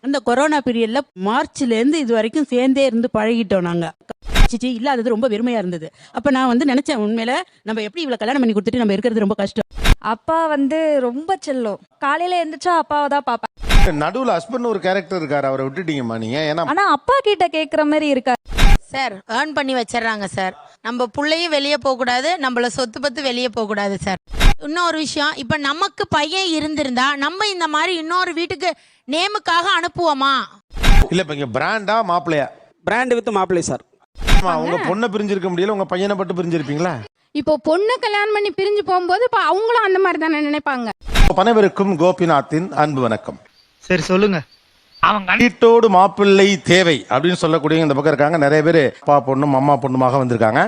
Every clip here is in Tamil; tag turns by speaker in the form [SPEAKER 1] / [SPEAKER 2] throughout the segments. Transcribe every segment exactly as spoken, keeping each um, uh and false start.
[SPEAKER 1] அந்த கொரோனா பீரியட்ல மார்ச்ல இருந்து இது வரைக்கும் சேர்ந்தே இருந்து பழகிட்டோம் நாங்க. சிச்சி இல்லாதது ரொம்ப வெறுமையா இருந்தது. அப்ப நான் வந்து நினைச்சேன், உண்மையில நம்ம எப்படி இவ்வளவு கல்யாணம் பண்ணி கொடுத்துட்டு நம்ம இருக்கிறது ரொம்ப கஷ்டம்.
[SPEAKER 2] அப்பா வந்து ரொம்ப செல்லம். காலையில எந்திரிச்சா அப்பாவை தான் பாப்பேன்.
[SPEAKER 3] நடுவுல ஹஸ்பண்ட் ஒரு கேரக்டர் இருக்காரு, அவரை விட்டுட்டீங்கம்மா நீங்க. ஏன்னா
[SPEAKER 2] ஆனா அப்பா கிட்ட கேக்குற மாதிரி இருக்காரு
[SPEAKER 4] சார். ஏர்ன் பண்ணி வச்சிடறாங்க சார். நம்ம பிள்ளையும் வெளியே போகக்கூடாது, நம்மள சொத்து பத்து வெளியே போகக்கூடாது சார். இன்னொரு விஷயம், இப்ப நமக்கு பையன் இருந்திருந்தா நம்ம இந்த மாதிரி இன்னொரு வீட்டுக்கு நேமுக்காக அனுப்புவோமா?
[SPEAKER 3] இல்ல இப்ப இங்க பிராண்டா மாப்பிள்ளையா?
[SPEAKER 5] பிராண்ட் வித் மாப்பிள்ளை சார்.
[SPEAKER 3] உங்க பொண்ணை பிரிஞ்சிருக்க முடியல, உங்க பையனை பட்டு பிரிஞ்சிருப்பீங்களா?
[SPEAKER 6] இப்போ பொண்ணு கல்யாணம் பண்ணி பிரிஞ்சு போகும்போது இப்போ அவங்களும் அந்த மாதிரி தானே நினைப்பாங்க.
[SPEAKER 3] பனைவருக்கும் கோபிநாத்தின் அன்பு வணக்கம்.
[SPEAKER 7] சரி சொல்லுங்க.
[SPEAKER 3] வீட்டோடு மாப்பிள்ளை தேவை அப்படின்னு சொல்லக்கூடிய இந்த பக்கம் இருக்காங்க நிறைய பேர். அப்பா பொண்ணும் அம்மா பொண்ணுமாக வந்திருக்காங்க.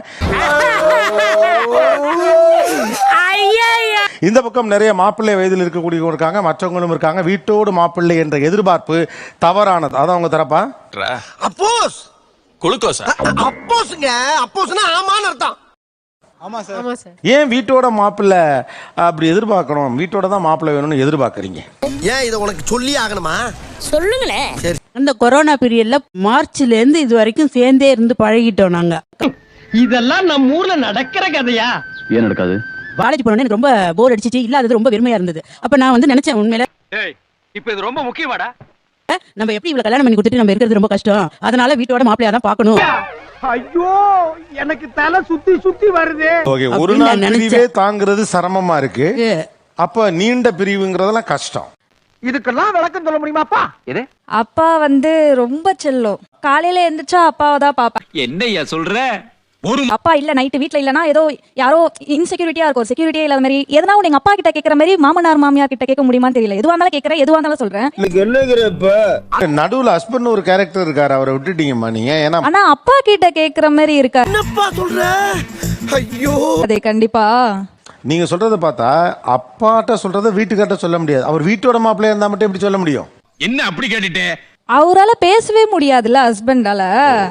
[SPEAKER 3] இந்த பக்கம் நிறைய மாப்பிள்ளை வயதில் இருக்கக்கூடிய இருக்காங்க, மற்றவங்களும் இருக்காங்க. வீட்டோடு மாப்பிள்ளை என்ற எதிர்பார்ப்பு தவறானது. அதான் அவங்க தரப்பா
[SPEAKER 8] அப்போஸ் குளுக்கோஸ் அப்போஸ்ங்க. அப்போஸ்னா ஆமான்னு அர்த்தம்.
[SPEAKER 7] ஆமா சார்.
[SPEAKER 3] ஏன் வீட்டோட மாப்பிள்ளை அப்படி எதிர்பார்க்கணும்? வீட்டோட தான் மாப்பிள்ளை வேணும்னு எதிர்பார்க்கறீங்க
[SPEAKER 8] ஏன்? இதை உனக்கு சொல்லி ஆகணுமா? சொல்லுங்களேன். சரி.
[SPEAKER 1] அந்த கொரோனா பீரியட்ல மார்ச்ல இருந்து இது வரைக்கும் சேர்ந்தே இருந்து பழகிட்டோம் நாங்க.
[SPEAKER 7] இதெல்லாம் நம்ம ஊர்ல நடக்கிற கதையா?
[SPEAKER 5] ஏன் நடக்காது?
[SPEAKER 1] காலேஜ் போனோடனே எனக்கு ரொம்ப போர் அடிச்சிச்சு, இல்லாதது ரொம்ப வெறுமையா இருந்தது. அப்ப நான் வந்து நினைச்சேன், உண்மையில
[SPEAKER 7] இப்ப இது ரொம்ப முக்கியமாடா.
[SPEAKER 1] நம்ம எப்படி இவ்வளவு கல்யாணம் பண்ணி கொடுத்துட்டு நம்ம இருக்கிறது ரொம்ப கஷ்டம். அதனால வீட்டோட மாப்பிள்ளையா தான் பார்க்கணும்.
[SPEAKER 7] ஐயோ எனக்கு தலை சுத்தி சுத்தி வருது.
[SPEAKER 3] ஓகே, ஒரு நாள் பிரிவே தாங்கிறது சிரமமா இருக்கு. அப்ப நீண்ட பிரிவுங்கிறதெல்லாம் கஷ்டம்.
[SPEAKER 7] இதுக்கெல்லாம் விளக்கம் சொல்ல முடியுமாப்பா? இது
[SPEAKER 2] அப்பா வந்து ரொம்ப செல்லம். காலையில எந்திரிச்சா அப்பாவை தான் பாப்பேன்.
[SPEAKER 5] என்னையா சொல்ற?
[SPEAKER 2] அப்பா இல்ல நைட்டு வீட்ல இல்லனா ஏதோ யாரோ இன்செக்யூரிட்டியா இருக்கும், செக்யூரிட்டியா இல்லாத மாதிரி எதனா ஒண்ணு எங்க அப்பா கிட்ட கேக்குற மாதிரி மாமனார் மாமியார் கிட்ட கேட்க முடியுமான்னு தெரியல. எதுவா இருந்தாலும் கேக்குறேன், எதுவா இருந்தாலும் சொல்றேன்.
[SPEAKER 3] நடுவுல ஹஸ்பண்ட் ஒரு கேரக்டர் இருக்காரு, அவரை விட்டுட்டீங்கம்மா நீங்க. ஏன்னா
[SPEAKER 2] ஆனா அப்பா கிட்ட கேக்குற மாதிரி இருக்காரு.
[SPEAKER 8] என்னப்பா சொல்ற? ஐயோ
[SPEAKER 2] அதே கண்டிப்பா
[SPEAKER 3] நீங்க சொல்றத பார்த்தா அப்பாட்ட சொல்றத வீட்டுக்காட்ட சொல்ல முடியாது. அவர் வீட்டோட மாப்பிள்ளையா இருந்தா மட்டும் எப்படி சொல்ல முடியும்?
[SPEAKER 5] என்ன அப்படி கேட்டுட்டே?
[SPEAKER 2] அவரால பேசவே முடியாதுல்ல ஹஸ்பண்டால.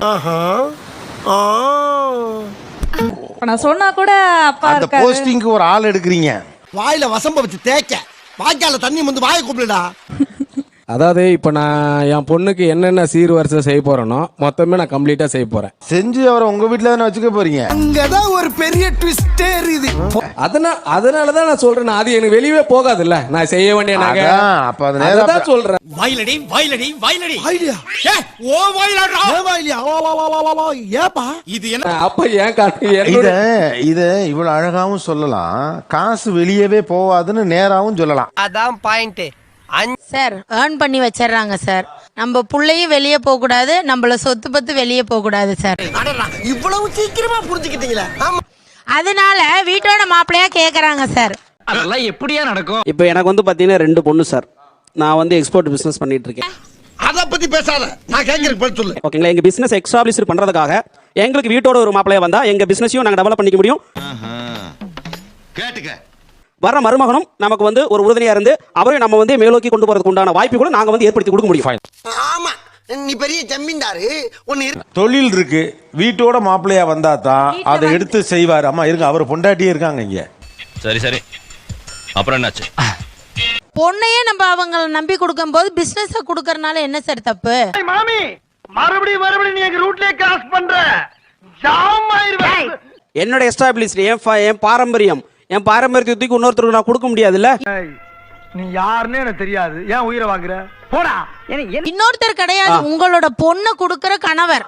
[SPEAKER 2] நான் சொன்னா கூட அப்பா
[SPEAKER 3] அந்த
[SPEAKER 2] இருக்காரு.
[SPEAKER 3] போஸ்டிங்க்கு ஒரு ஆள் எடுக்கிறீங்க.
[SPEAKER 8] வாயில வசம்ப வச்சு தேய்க்க, வாய்க்கால தண்ணி வந்து வாயை கூப்பிடுடா.
[SPEAKER 9] அதாவது இப்போ நான் என் பொண்ணுக்கு என்னென்ன சீர் வரிசை செய்ய போறேனோ மொத்தமே நான் கம்ப்ளீட்டா செய்ய போறேன்.
[SPEAKER 3] செஞ்சு அவரை உங்க வீட்டுல தானே வச்சுக்க போறீங்க.
[SPEAKER 8] அங்கதான் ஒரு பெரிய ட்விஸ்டே இருக்குது.
[SPEAKER 9] அதனால அதனால தான் நான் சொல்றேன், அது எனக்கு வெளியவே போகாதுல்ல, நான் செய்ய வேண்டிய நகை.
[SPEAKER 3] அதான், அப்ப அது நேரா
[SPEAKER 9] அதான் சொல்றேன்.
[SPEAKER 8] வாயிலடி வாயிலடி வாயிலடி வாயிலியா? ஏய் ஓ வாயிலடா. ஏ வாயிலியா? வா வா வா வா வா. ஏப்பா இது என்ன?
[SPEAKER 9] அப்ப ஏன் காட்டு
[SPEAKER 3] இத இத இவ்வளவு அழகாவும் சொல்லலாம், காசு வெளியவே போவாதுன்னு நேராவும் சொல்லலாம்.
[SPEAKER 8] அதான் பாயிண்ட்.
[SPEAKER 4] சார் ஏர்ன் பண்ணி வச்சிடறாங்க சார். நம்ம பிள்ளையும் வெளியே போகக்கூடாது, நம்மள சொத்து பத்து வெளியே போகக்கூடாது சார்.
[SPEAKER 8] இவ்வளவு சீக்கிரமா புரிஞ்சுக்கிட்டீங்களா?
[SPEAKER 4] அதனால வீட்டோட மாப்பிள்ளையா கேக்குறாங்க சார்.
[SPEAKER 5] அதெல்லாம் எப்படியா நடக்கும்? இப்போ எனக்கு வந்து பாத்தீங்கன்னா ரெண்டு பொண்ணு சார். நான் வந்து எக்ஸ்போர்ட் பிசினஸ் பண்ணிட்டு இருக்கேன்.
[SPEAKER 8] அத பத்தி பேசாத, நான் கேக்குறேன் பதில் சொல்லு.
[SPEAKER 5] ஓகேங்களா? எங்க பிசினஸ் எக்ஸ்டாப்ளிஷ் பண்றதுக்காக எங்களுக்கு வீட்டோட ஒரு மாப்பிள்ளையா வந்தா எங்க பிசினஸையும் நாங்க டெவலப் பண்ணிக்க முடியும்.
[SPEAKER 8] கேட்டுக்க.
[SPEAKER 5] வர மருமகனும் நமக்கு வந்து ஒரு உறுதுணையா இருந்து அவரையும் நம்ம வந்து மேலோக்கி கொண்டு போறதுக்கு உண்டான வாய்ப்பு கூட நாங்க வந்து ஏற்படுத்தி கொடுக்க முடியும்.
[SPEAKER 8] ஆமா, நீ பெரிய ஜமீன்தாரு. ஒன்னு
[SPEAKER 3] தொழில் இருக்கு, வீட்டோட மாப்பிள்ளையா வந்தா தான் அதை எடுத்து செய்வார். அம்மா இருங்க, அவர் பொண்டாட்டியே இருக்காங்க இங்க.
[SPEAKER 10] சரி சரி, அப்புறம் என்னாச்சு?
[SPEAKER 4] பொண்ணையே நம்ம அவங்கள நம்பி கொடுக்கும் போது பிசினஸ் கொடுக்கறனால என்ன சார் தப்பு?
[SPEAKER 7] மாமி மறுபடியும் மறுபடியும் நீ எங்க ரூட்லயே கிராஸ் பண்ற. ஜாம் ஆயிருவேன்.
[SPEAKER 5] என்னோட எஸ்டாப்ளிஷ் என் பாரம்பரியம் என் பாரம்பரியத்துக்கு இன்னொருத்தருக்கு நான் கொடுக்க முடியாதுல்ல.
[SPEAKER 7] நீ யாருன்னு எனக்கு தெரியாது, ஏன் உயிரை வாங்குற? போடா.
[SPEAKER 4] இன்னொருத்தர் கிடையாது, உங்களோட பொண்ணு கொடுக்கற கணவர்.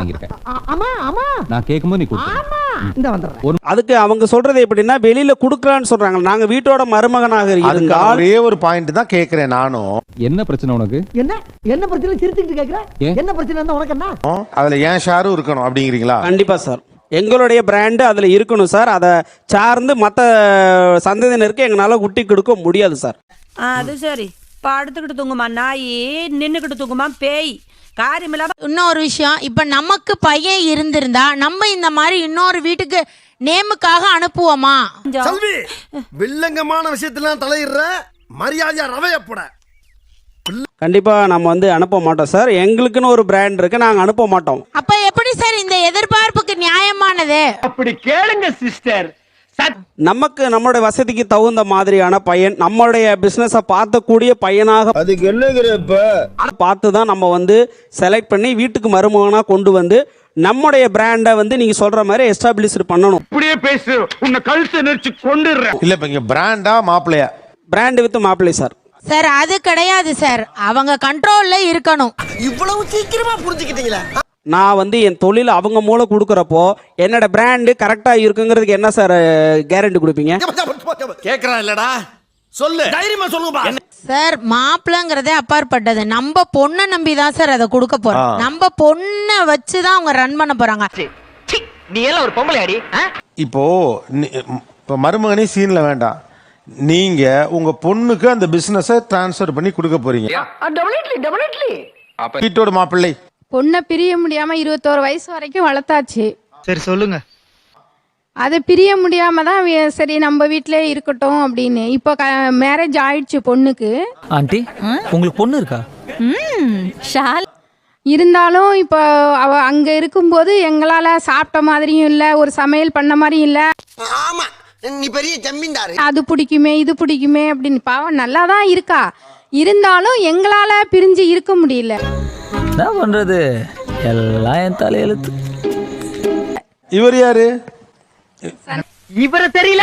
[SPEAKER 5] அதுக்கு அவங்க சொல்றது எப்படின்னா வெளியில குடுக்கலான்னு சொல்றாங்க. நாங்க வீட்டோட மருமகனாக இருந்தால்
[SPEAKER 3] ஒரே ஒரு பாயிண்ட் தான் கேக்குறேன் நானும்.
[SPEAKER 7] என்ன பிரச்சனை உனக்கு? என்ன என்ன பிரச்சனை சிரிச்சுக்கிட்டு கேக்குற? என்ன பிரச்சனை இருந்தா உனக்கு என்ன?
[SPEAKER 3] அதுல ஏன் ஷாரும் இருக்கணும் அப்படிங்கிறீங்களா?
[SPEAKER 5] கண்டிப்பா சார், எங்களுடைய பிராண்டு அதுல இருக்கணும் சார். அதை சார்ந்து மற்ற சந்ததியினருக்கு எங்களால குட்டி கொடுக்க முடியாது சார்.
[SPEAKER 11] அது சரி, படுத்துக்கிட்டு தூங்குமா நாய், நின்னுக்கிட்டு தூங்குமா பேய், காரியமில்லாம.
[SPEAKER 4] இன்னொரு விஷயம், இப்ப நமக்கு பையன் இருந்திருந்தா நம்ம இந்த மாதிரி இன்னொரு வீட்டுக்கு நேமுக்காக அனுப்புவோமா?
[SPEAKER 8] செல்வி, வில்லங்கமான விஷயத்தெல்லாம் தலையிடுற, மரியாதையா ரவையப்பட.
[SPEAKER 5] கண்டிப்பா நம்ம வந்து அனுப்ப மாட்டோம் சார். எங்களுக்குன்னு ஒரு பிராண்ட் இருக்கு, நாங்க அனுப்ப மாட்டோம்.
[SPEAKER 4] அப்ப எப்படி சார் இந்த எதிர்பார்ப்புக்கு நியாயமானது?
[SPEAKER 7] அப்படி கேளுங்க சிஸ்டர்.
[SPEAKER 5] நமக்கு நம்மளுடைய வசதிக்கு தகுந்த மாதிரியான பையன், நம்மளுடைய பிசினஸை பார்க்கக்கூடிய பையனாக
[SPEAKER 7] அதுக்கு என்னங்கிறப்ப
[SPEAKER 5] பார்த்து தான் நம்ம வந்து செலக்ட் பண்ணி வீட்டுக்கு மருமகனா கொண்டு வந்து நம்முடைய பிராண்டை வந்து நீங்க சொல்ற மாதிரி எஸ்டாப்ளிஷ் பண்ணணும்.
[SPEAKER 7] இப்படியே பேசு, உன்னை கழுத்தை நெரிச்சு கொண்டுடுறேன்.
[SPEAKER 3] இல்ல இப்ப இங்க பிராண்டா மாப்பிள்ளையா?
[SPEAKER 5] பிராண்ட் வித் மாப்பிள்ளை சார்.
[SPEAKER 4] சார் அது கிடையாது சார், அவங்க கண்ட்ரோல்ல இருக்கணும்.
[SPEAKER 7] இவ்வளவு சீக்கிரமா புரிஞ்சுக்கிட்டீங்களா?
[SPEAKER 5] நான் வந்து என் தொழில் அவங்க மூலம் கொடுக்குறப்போ என்னோட பிராண்டு கரெக்டா இருக்குங்கிறதுக்கு என்ன சார் கேரண்டி கொடுப்பீங்க?
[SPEAKER 8] கேக்குறான் இல்லடா, சொல்லு, தைரியமா சொல்லுங்க.
[SPEAKER 4] சார் மாப்பிள்ளைங்கிறதே அப்பாற்பட்டது. நம்ம பொண்ணை நம்பி தான் சார் அதை கொடுக்க போறோம். நம்ம பொண்ணை வச்சு தான் அவங்க ரன் பண்ண போறாங்க.
[SPEAKER 7] நீ எல்லாம் ஒரு பொம்பளை அடி.
[SPEAKER 3] இப்போ நி- இப்போ மருமகனே சீன்ல வேண்டாம், நீங்க உங்க பொண்ணுக்கு அந்த பிசினஸை டிரான்ஸ்ஃபர் பண்ணி கொடுக்க போறீங்க. வீட்டோட மாப்பிள்ளை
[SPEAKER 6] பொண்ணை பிரிய முடியாம இருபத்தோரு வயசு வரைக்கும் வளர்த்தாச்சு.
[SPEAKER 7] சரி சொல்லுங்க.
[SPEAKER 6] அதை பிரிய முடியாம தான் வே- சரி நம்ம வீட்டிலே இருக்கட்டும் அப்படின்னு. இப்போ மேரேஜ் ஆயிடுச்சு பொண்ணுக்கு.
[SPEAKER 8] ஆண்டி, உங்களுக்கு பொண்ணு இருக்கா?
[SPEAKER 6] இருந்தாலும் இப்போ அவ அங்க இருக்கும்போது எங்களால சாப்பிட்ட மாதிரியும் இல்ல, ஒரு சமையல் பண்ண மாதிரியும் இல்ல.
[SPEAKER 7] ஆமா, நீ பெரிய ஜமீன்தாரு.
[SPEAKER 6] அது பிடிக்குமே இது பிடிக்குமே அப்படின்னு. பாவம் நல்லா தான் இருக்கா, இருந்தாலும் எங்களால பிரிஞ்சு இருக்க முடியல.
[SPEAKER 8] என்ன பண்றது, எல்லாம் என் தலையெழுத்து.
[SPEAKER 3] இவர் யாரு?
[SPEAKER 7] இவர தெரியல.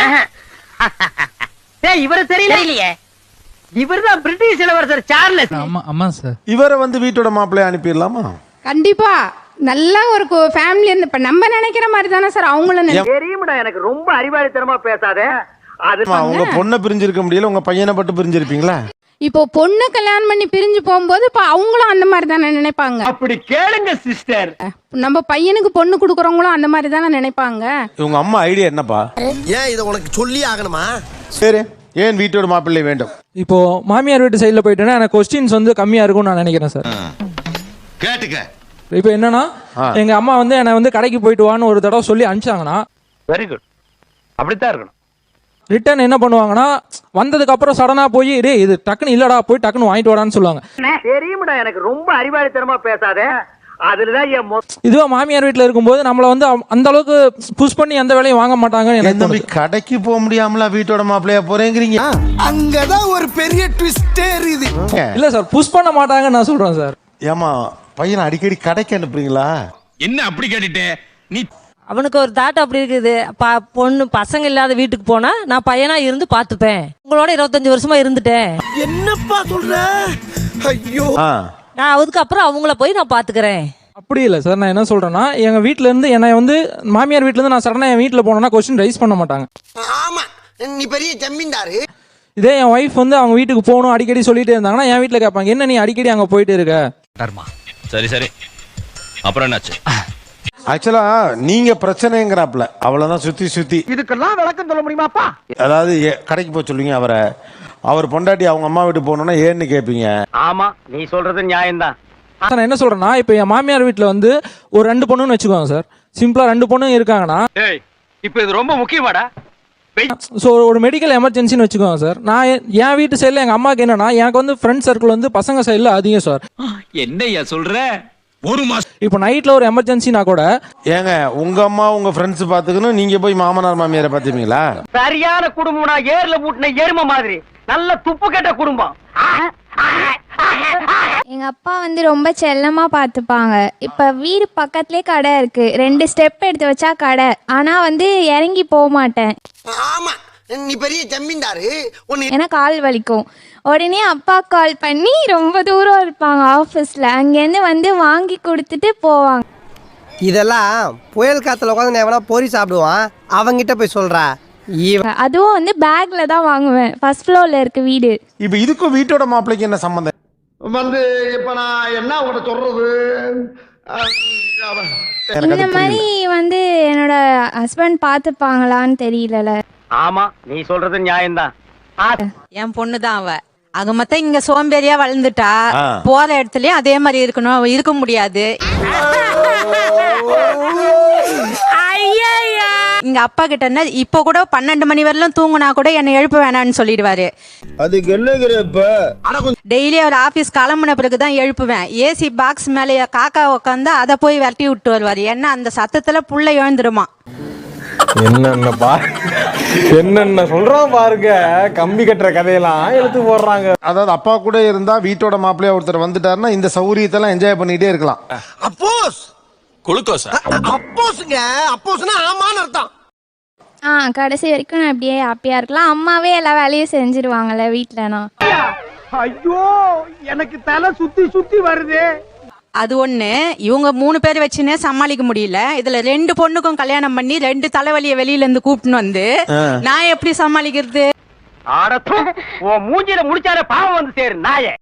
[SPEAKER 7] இவர தெரியலையே. இவர்தான் பிரிட்டிஷ் இளவரசர் சார்லஸ்.
[SPEAKER 8] ஆமா ஆமா சார்.
[SPEAKER 3] இவரை வந்து வீட்டோட மாப்பிள்ளைய அனுப்பிடலாமா?
[SPEAKER 6] கண்டிப்பா நல்ல ஒரு ஃபேமிலி இருந்து இப்ப நம்ம நினைக்கிற மாதிரி தானே சார் அவங்களும் நினை-
[SPEAKER 7] தெரியுமடா, எனக்கு ரொம்ப அறிவாளித்தனமா பேசாத. அது
[SPEAKER 3] ஆமா, உங்க பொண்ணை பிரிஞ்சிருக்க முடியல, உங்க பையனை பட்டு பிரிஞ்சிருப்பீங்களா?
[SPEAKER 6] இப்போ பொண்ணு கல்யாணம் பண்ணி பிரிஞ்சு போகும்போது இப்ப அவங்களும் அந்த மாதிரி தானே நினைப்பாங்க.
[SPEAKER 7] அப்படி கேளுங்க சிஸ்டர்.
[SPEAKER 6] நம்ம பையனுக்கு பொண்ணு கொடுக்குறவங்களும் அந்த மாதிரி தானே நினைப்பாங்க.
[SPEAKER 3] உங்க அம்மா ஐடியா என்னப்பா?
[SPEAKER 7] ஏன் இதை உனக்கு சொல்லி ஆகணுமா?
[SPEAKER 3] சரி, ஏன் வீட்டோட மாப்பிள்ளை வேண்டும்?
[SPEAKER 9] இப்போ மாமியார் வீட்டு சைடில் போயிட்டேன்னா எனக்கு கொஸ்டின்ஸ் வந்து கம்மியா இருக்கும்னு நான் நினைக்கிறேன் சார்.
[SPEAKER 10] கேட்டுக்க.
[SPEAKER 9] இப்போ என்னன்னா எங்க அம்மா வந்து என்னை வந்து கடைக்கு போயிட்டு வான்னு ஒரு தடவை சொல்லி அனுப்பிச்சாங்கன்னா
[SPEAKER 7] வெரி குட், அப்படித்தான் இருக்கணும்.
[SPEAKER 9] ரிட்டர்ன் என்ன பண்ணுவாங்கன்னா வந்ததுக்கு அப்புறம் சடனா போய் டே இது டக்குன்னு இல்லடா போய் டக்குன்னு வாங்கிட்டு வாடான்னு சொல்லுவாங்க.
[SPEAKER 7] தெரியுமடா, எனக்கு ரொம்ப அறிவாளித்தனமா பேசாத. அதுலதான் என் மொத்த
[SPEAKER 9] இதுவே மாமியார் வீட்டில் இருக்கும்போது நம்மளை வந்து அவ- அந்த அளவுக்கு புஷ் பண்ணி எந்த வேலையும் வாங்க மாட்டாங்கன்னு எனக்கு
[SPEAKER 3] என் தம்பி
[SPEAKER 9] தோணுது.
[SPEAKER 3] கடைக்கு போக முடியாமலா வீட்டோட மாப்பிள்ளையா போறேங்கிறீங்க?
[SPEAKER 7] அங்கதான் ஒரு பெரிய ட்விஸ்டே இருக்குது.
[SPEAKER 9] இல்ல சார் புஷ் பண்ண மாட்டாங்கன்னு நான் சொல்றேன் சார்.
[SPEAKER 3] ஏமா பையனை அடிக்கடி கடைக்கு அனுப்புறீங்களா?
[SPEAKER 8] என்ன அப்படி கேட்டுட்டே நீ?
[SPEAKER 11] அவனுக்கு ஒரு தாட் அப்படி இருக்குது. ப- பொண்ணு பசங்க இல்லாத வீட்டுக்கு போனா நான் பையனா இருந்து பாத்துப்பேன். உங்களோட இருபத்தஞ்சு வருஷமா இருந்துட்டேன்.
[SPEAKER 7] என்னப்பா சொல்ற? ஐயோ,
[SPEAKER 3] ஆ,
[SPEAKER 11] நான் அதுக்கு அப்புறம் அவங்கள போய் நான் பாத்துக்கிறேன்.
[SPEAKER 9] அப்படி இல்லை சார், நான் என்ன சொல்றேன்னா எங்க வீட்ல இருந்து என்னை வந்து மாமியார் வீட்ல இருந்து நான் சடனா என் வீட்டில் போனேன்னா கொஸ்டின் ரைஸ் பண்ண மாட்டாங்க.
[SPEAKER 7] ஆமா, நீ பெரிய ஜமீன்தாரு.
[SPEAKER 9] இதே என் ஒய்ஃப் வந்து அவங்க வீட்டுக்கு போகணும் அடிக்கடி சொல்லிட்டே இருந்தாங்கன்னா என் வீட்டில் கேட்பாங்க என்ன நீ அடிக்கடி அங்கே போயிட்டு இருக்க.
[SPEAKER 10] சரி சரி, அப்புறம் என்னாச்சு?
[SPEAKER 3] ஆக்சுவலா நீங்க பிரச்சனைங்கிறாப்ல, அவ்வளவுதான். சுத்தி சுத்தி
[SPEAKER 7] இதுக்கெல்லாம் விளக்கம் சொல்ல முடியுமாப்பா?
[SPEAKER 3] அதாவது எ- கடைக்கு போக சொல்லுவீங்க அவரை, அவர் பொண்டாட்டி அவங்க அம்மா வீட்டு போகணும்னா ஏன்னு கேட்பீங்க.
[SPEAKER 7] ஆமா, நீ சொல்றது நியாயம்தான்.
[SPEAKER 9] சார் நான் என்ன சொல்றேன்னா இப்போ என் மாமியார் வீட்டில் வந்து ஒரு ரெண்டு பொண்ணுன்னு வச்சுக்கோங்க சார், சிம்பிளா ரெண்டு பொண்ணுங்க இருக்காங்கன்னா
[SPEAKER 7] ஏய், இப்போ இது ரொம்ப முக்கியமாடா.
[SPEAKER 9] ஸோ ஒரு மெடிக்கல் எமர்ஜென்சின்னு வச்சுக்கோங்க சார். நான் என் என் வீட்டு சைடில் எங்கள் அம்மாவுக்கு என்னன்னா எனக்கு வந்து ஃப்ரெண்ட் சர்க்கிள் வந்து பசங்க சைடில் அதிகம் சார்.
[SPEAKER 8] என்னய்யா சொல்ற? ஒரு மாசம்
[SPEAKER 9] இப்போ நைட்டில் ஒரு எமர்ஜென்சினா கூட
[SPEAKER 3] ஏங்க உங்க அம்மா உங்க ஃப்ரெண்ட்ஸ் பாத்துக்கணும், நீங்க போய் மாமனார் மாமியாரை பாத்துப்பீங்களா?
[SPEAKER 7] சரியான குடும்பம்னா ஏர்ல மூட்டின எருமை மாதிரி. நல்ல துப்பு கெட்ட குடும்பம்.
[SPEAKER 12] எங்க அப்பா வந்து ரொம்ப செல்லமா பார்த்துப்பாங்க. இப்ப வீடு பக்கத்துலயே கடை இருக்கு, ரெண்டு ஸ்டெப் எடுத்து வச்சா கடை. ஆனா வந்து இறங்கி போக மாட்டேன்.
[SPEAKER 7] ஆமா, நீ பெரிய ஜமீன்தாரு.
[SPEAKER 12] ஏன்னா கால் வலிக்கும். உடனே அப்பா கால் பண்ணி ரொம்ப தூரம் இருப்பாங்க ஆஃபீஸ்ல, அங்கேருந்து வந்து வாங்கி கொடுத்துட்டு போவாங்க.
[SPEAKER 7] இதெல்லாம் புயல் காத்துல உட்காந்து எவனா பொறி சாப்பிடுவான், அவங்கிட்ட போய் சொல்றா.
[SPEAKER 12] அதுவும் வந்து பேக்ல தான் வாங்குவேன். ஃபர்ஸ்ட் ஃப்ளோர்ல இருக்கு வீடு.
[SPEAKER 3] இப்ப இதுக்கும் வீட்டோட மாப்பிள்ளைக்கு என்ன சம்பந்தம்?
[SPEAKER 7] வந்து இப்ப நான் என்ன உங்கள்கிட்ட சொல்றது?
[SPEAKER 12] இந்த மாதிரி வந்து என்னோட ஹஸ்பண்ட் பார்த்துப்பாங்களான்னு தெரியல.
[SPEAKER 7] ஆமா, நீ சொல்றது நியாயம்தான்.
[SPEAKER 4] என் பொண்ணு தான் அவ. அங்க மத்த இங்க சோம்பேறியா வளர்ந்துட்டா,
[SPEAKER 3] ஆ.
[SPEAKER 4] போற இடத்துலயும் அதே மாதிரி இருக்கணும், இருக்க முடியாது. இங்க அப்பா கிட்ட என்ன, இப்ப கூட பன்னெண்டு மணி வரலும் தூங்குனா கூட என்னை எழுப்ப வேணாம்னு சொல்லிடுவாரு.
[SPEAKER 7] அதுக்கு என்னங்கிறப்ப?
[SPEAKER 4] டெய்லி அவர் ஆபீஸ் கிளம்புன பிறகுதான் எழுப்புவேன். ஏசி பாக்ஸ் மேல காக்கா உட்காந்து அதை போய் விரட்டி விட்டு வருவாரு. ஏன்னா அந்த சத்தத்துல புள்ள எழுந்துருமா.
[SPEAKER 13] என்னென்ன பாரு என்னென்ன சொல்றான் பாருங்க, கம்பி கட்டுற கதையெல்லாம் எழுத்து போடுறாங்க.
[SPEAKER 3] அதாவது அப்பா கூட இருந்தா வீட்டோட மாப்பிள்ளையா ஒருத்தர் வந்துட்டாருன்னா இந்த சௌரியத்தெல்லாம் என்ஜாய் பண்ணிட்டே இருக்கலாம்.
[SPEAKER 8] அப்போஸ் குளுக்கோஸ் அப்போஸ்ங்க, அப்போஸ்னா ஆமான்னு அர்த்தம்.
[SPEAKER 12] ஆ கடைசி வரைக்கும் நான் அப்படியே ஹாப்பியாக இருக்கலாம். அம்மாவே எல்லா வேலையும் செஞ்சிருவாங்கல்ல வீட்டிலனா.
[SPEAKER 7] ஐயோ எனக்கு தலை சுத்தி சுத்தி வருது.
[SPEAKER 1] அது ஒண்ணு, இவங்க மூணு பேர் வச்சுன்னே சமாளிக்க முடியல. இதுல ரெண்டு பொண்ணுக்கும் கல்யாணம் பண்ணி ரெண்டு தலைவலிய வெளியில இருந்து கூப்பிட்டு வந்து நான் எப்படி சமாளிக்கிறது?
[SPEAKER 7] ஆடத்தும் உன் மூஞ்சில முடிச்சார பாவம் வந்து சேரு நாயே.